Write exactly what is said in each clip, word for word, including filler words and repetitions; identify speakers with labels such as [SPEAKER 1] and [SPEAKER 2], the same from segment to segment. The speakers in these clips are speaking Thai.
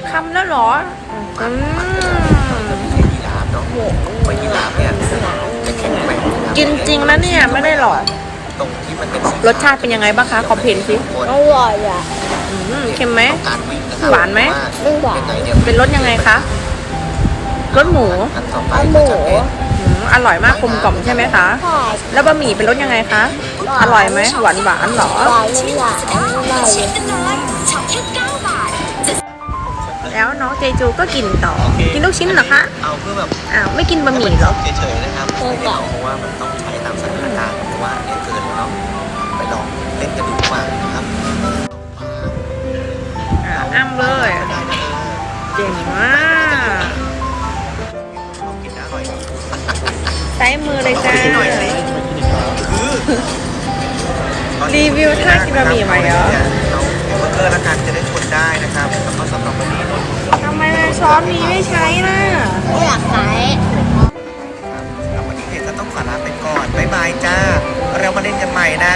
[SPEAKER 1] คำแล้วเหรออืม
[SPEAKER 2] ยีราฟเนาะไปยีราฟเนี่ยจะแข็งแกร่ง
[SPEAKER 1] กินจริงแล้วเนี่ยไม่ได้หรอก
[SPEAKER 2] ตรงที่มันเป็น
[SPEAKER 1] รสชาติเป็นยังไงบ้างคะคอมเพลนสิ
[SPEAKER 3] อร่อยอ่ะ
[SPEAKER 1] อืมเค็มไหม
[SPEAKER 2] การวิ่งนะครับ
[SPEAKER 1] หวานไหม
[SPEAKER 3] ไม่หวาน
[SPEAKER 2] ยังไงเนี่ย
[SPEAKER 1] เป็นรสยังไงคะรสหมู
[SPEAKER 2] อันต่อไป
[SPEAKER 3] เอาห
[SPEAKER 2] ก็
[SPEAKER 3] มู
[SPEAKER 2] จะเป็น
[SPEAKER 1] อืมอร่อยมากกลมกล่อมใช่ไหมคะ
[SPEAKER 3] ทอด
[SPEAKER 1] แล้วบะหมี่เป็นรสยังไงคะอร่อยไหมหวานหวานๆเหรอ
[SPEAKER 3] หวานไม่หวานอร่อย
[SPEAKER 1] แล้วน้องเจจูก็กินต่อ กินลูกชิ้นเหรอคะ
[SPEAKER 2] เอาเพื่อแบบ
[SPEAKER 1] อ้าวไม่กินบะหมี่เหรอ
[SPEAKER 2] เฉยๆนะครับไม่ได้เอาเพราะว่ามันต้องใช้ตามสถานการณ์เพราะว่าเนี่ยเกินแล้วเนาะไปลองเล่นกันดูดีกว่านะครับ
[SPEAKER 1] อ่าอ้ำเลย
[SPEAKER 2] ได้นะ
[SPEAKER 1] เก่งมาก
[SPEAKER 2] ลองกินนะอร่อยดี
[SPEAKER 1] ใช้มือเลยจ้า
[SPEAKER 2] หน่อยสิคือ
[SPEAKER 1] รีวิวท่ากินบะหมี่ใหม่เหรอ
[SPEAKER 2] เราเบอร์เกอร์ละกันจะได้ชนได้นะครับแล้วก็สำหรับวันนี้นนท์
[SPEAKER 1] ทำไมช้อนนี้ไม่ใช้ล่ะ
[SPEAKER 3] ไม่อยากใช้
[SPEAKER 2] แล้ววันนี้เห็นก็ต้องขอลาไปก่อนบ๊ายบายจ้าเรามาเล่นกันใหม่นะ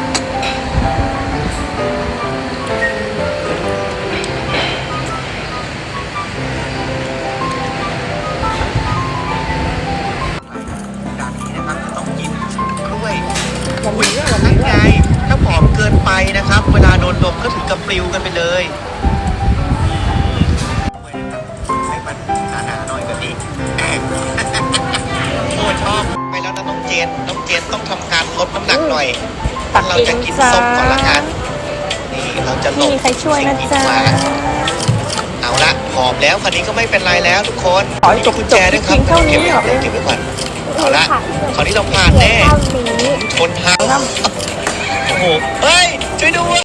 [SPEAKER 2] ด่านนี้นะครับต้องกินกล้วยอุ้ยนั่นไงถ้าผอมเกินไปนะครับ เวลาโดนดมก็ถึงกับปลิวกันไปเลยให้มันหนาๆหน่อยแบบนี้ โอ้ชอบไปแล้วนะน้องเจนน้องเจนต้องทำการลดน้ำหนักหน่อย
[SPEAKER 1] ตัก
[SPEAKER 2] เรา
[SPEAKER 1] เอ
[SPEAKER 2] จะ
[SPEAKER 1] ง
[SPEAKER 2] กิน
[SPEAKER 1] จ้า
[SPEAKER 2] ส้มก่อนละกันนี่เราจะหล
[SPEAKER 1] ไม่
[SPEAKER 2] บ
[SPEAKER 1] มีใครช่วยนะ
[SPEAKER 2] สิ่ง
[SPEAKER 1] จ๊ะ
[SPEAKER 2] กีดขวางเอาละหอมแล้วคันนี้ก็ไม่เป็นไรแล้วทุกคน
[SPEAKER 1] ขอให้จบ
[SPEAKER 2] มีกุญแจด้วยครับ
[SPEAKER 1] จบเท่านี้
[SPEAKER 2] เก็บไว้
[SPEAKER 1] เหรอ
[SPEAKER 2] ก่อนเก็บไว้ก่อนเอาละคราวนี้เราผ่านแน่
[SPEAKER 3] เท่านี้
[SPEAKER 2] ชนทางโอ้โหเฮ้ยช่วยด้วย